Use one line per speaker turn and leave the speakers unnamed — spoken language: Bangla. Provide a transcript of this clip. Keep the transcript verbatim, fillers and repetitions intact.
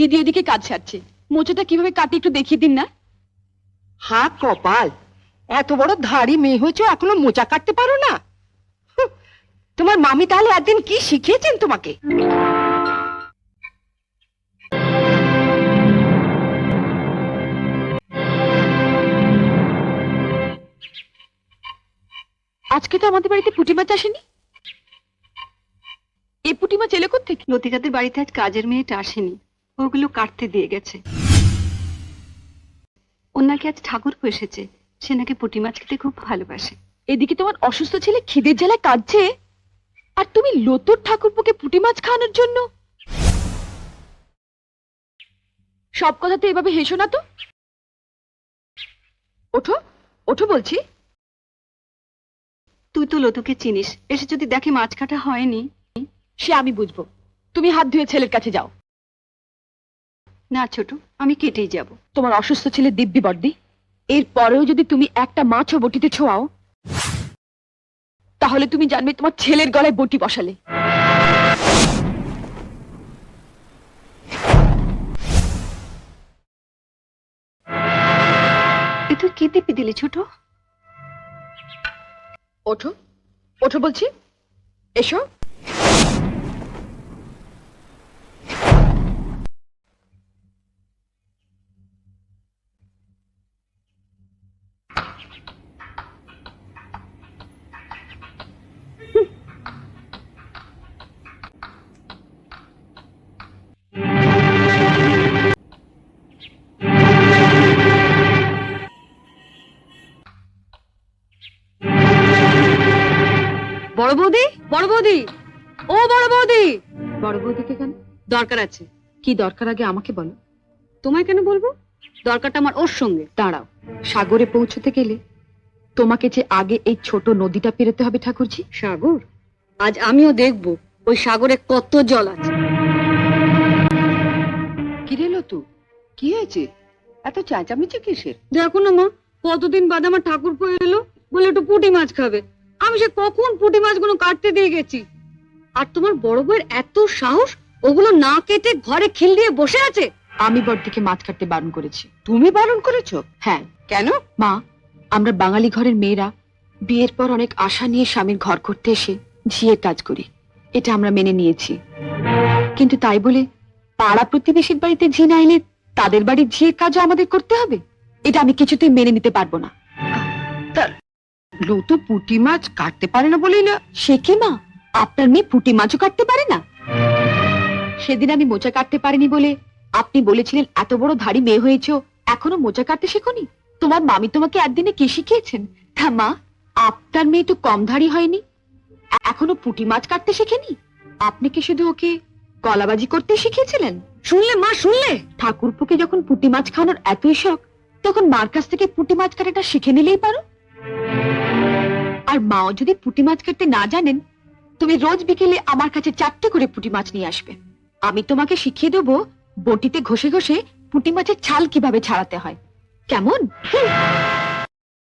দিদি এদিকে কাজ সারছে, মোচাটা কিভাবে কাটি একটু দেখিয়ে দিন না।
হা কপাল, এত বড় ধাড়ি মেয়ে হয়েছে এখনো মোচা কাটতে পারো না? তোমার মামি তাহলে একদিন কি শিখিয়েছেন তোমাকে?
আজকে তো আমাদের বাড়িতে পুঁটি মাছ আসেনি। এই পুঁটি মাছ এলো কোত্থেকে?
লতিকাদের বাড়িতে আজ কাজের মেয়েটা আসেনি, ওগুলো কাটতে দিয়ে গেছে। ওর নাকি আজ ঠাকুরপো এসেছে, সে নাকি পুঁটি মাছ খেতে খুব ভালোবাসে।
এদিকে তোমার অসুস্থ ছেলে খিদের জ্বালায় কাঁদছে, আর তুমি লতুর ঠাকুরপোকে পুঁটি মাছ খাওয়ানোর জন্য। সব কথাতে এভাবে হেসো না তো। ওঠো ওঠো বলছি।
তুই তো লতুকে চিনিস, এসে যদি দেখে মাছ কাটা হয়নি।
সে আমি বুঝবো, তুমি হাত ধুয়ে ছেলের কাছে যাও।
না ছোট, আমি কেটেই যাব।
তোমার অসুস্থ ছেলে দিব্যি বর্দি, এর পরেও যদি তুমি একটা মাছও বটিতে ছোঁয়াও, তাহলে তুমি জানবে তোমার ছেলের গলায় বটি বসালে।
এ তুই কি দিবি দিলি ছোট?
ওঠো ওঠো বলছি, এসো।
বড় বৌদি, বড় বৌদি, ও বড় বৌদি।
বড় বৌদিকে কেন?
দরকার আছে।
কি দরকার আগে আমাকে বলো।
তোমায় কেন বলবো? দরকারটা আমার ওর সঙ্গে।
দাঁড়াও, সাগরে পৌঁছতে গেলে তোমাকে যে আগে এই ছোট নদীটা পেরোতে হবে ঠাকুরজি।
সাগর? আজ আমিও দেখব ওই সাগরে কত জল আছে।
কি রে লতু, কি হয়েছে? এত চেঁচামেচি কিসের?
দেখো না মা, কতদিন বাদে আমার ঠাকুরপো এলো, বলে একটু পুঁটি মাছ খাবে। আমি সে কখন পুঁটি মাছগুলো কাটতে দিয়ে গেছি, আর তোমার বড় বউয়ের এত সাহস, ওগুলো না কেটে ঘরে খিল দিয়ে বসে আছে।
আমি বড়দিকে মাছ কাটতে বারণ করেছি।
তুমি বারণ করেছো?
হ্যাঁ।
কেন?
মা, আমরা বাঙালি ঘরের মেয়েরা বিয়ের পর অনেক আশা নিয়ে স্বামীর ঘর করতে এসে ঝিয়ের কাজ করি, এটা আমরা মেনে নিয়েছি। কিন্তু তাই বলে পাড়া প্রতিবেশীর বাড়িতে ঝি না এলে তাদের বাড়ির ঝিয়ের কাজও আমাদের করতে হবে? এটা আমি কিছুতেই মেনে নিতে পারবো না।
লতু পুঁটি মাছ কাটতে পারে না বলেই না?
সে কি মা, আপনার মেয়ে পুঁটি মাছও কাটতে পারে না? সেদিন আমি মোচা কাটতে পারিনি বলে আপনি বলেছিলেন এত বড় ধাড়ি মেয়ে হয়েছো, এখনো মোচা কাটতে শেখোনি? তোমার মামি তোমাকে একদিনে কি শিখিয়েছেন? তা মা, আপনার মেয়ে তো কম ধাড়ি হয়নি, এখনো পুঁটি মাছ কাটতে শেখেনি। আপনি কি শুধু ওকে কলাবাজি করতে শিখিয়েছিলেন?
শুনলে মা, শুনলে?
ঠাকুরপুকে যখন পুঁটি মাছ খাওয়ানোর এতই শখ, তখন মার কাছ থেকে পুঁটি মাছ কাটাটা শিখে নিলেই পারো। আর মাও যদি পুঁটি মাছ কাটতে না জানেন, তুমি রোজ বিকেলে আমার কাছে চারটে করে পুঁটি মাছ নিয়ে আসবে। আমি তোমাকে শিখিয়ে দেবো বটিতে ঘষে ঘষে পুঁটি মাছের ছাল কিভাবে ছাড়াতে হয়। কেমন?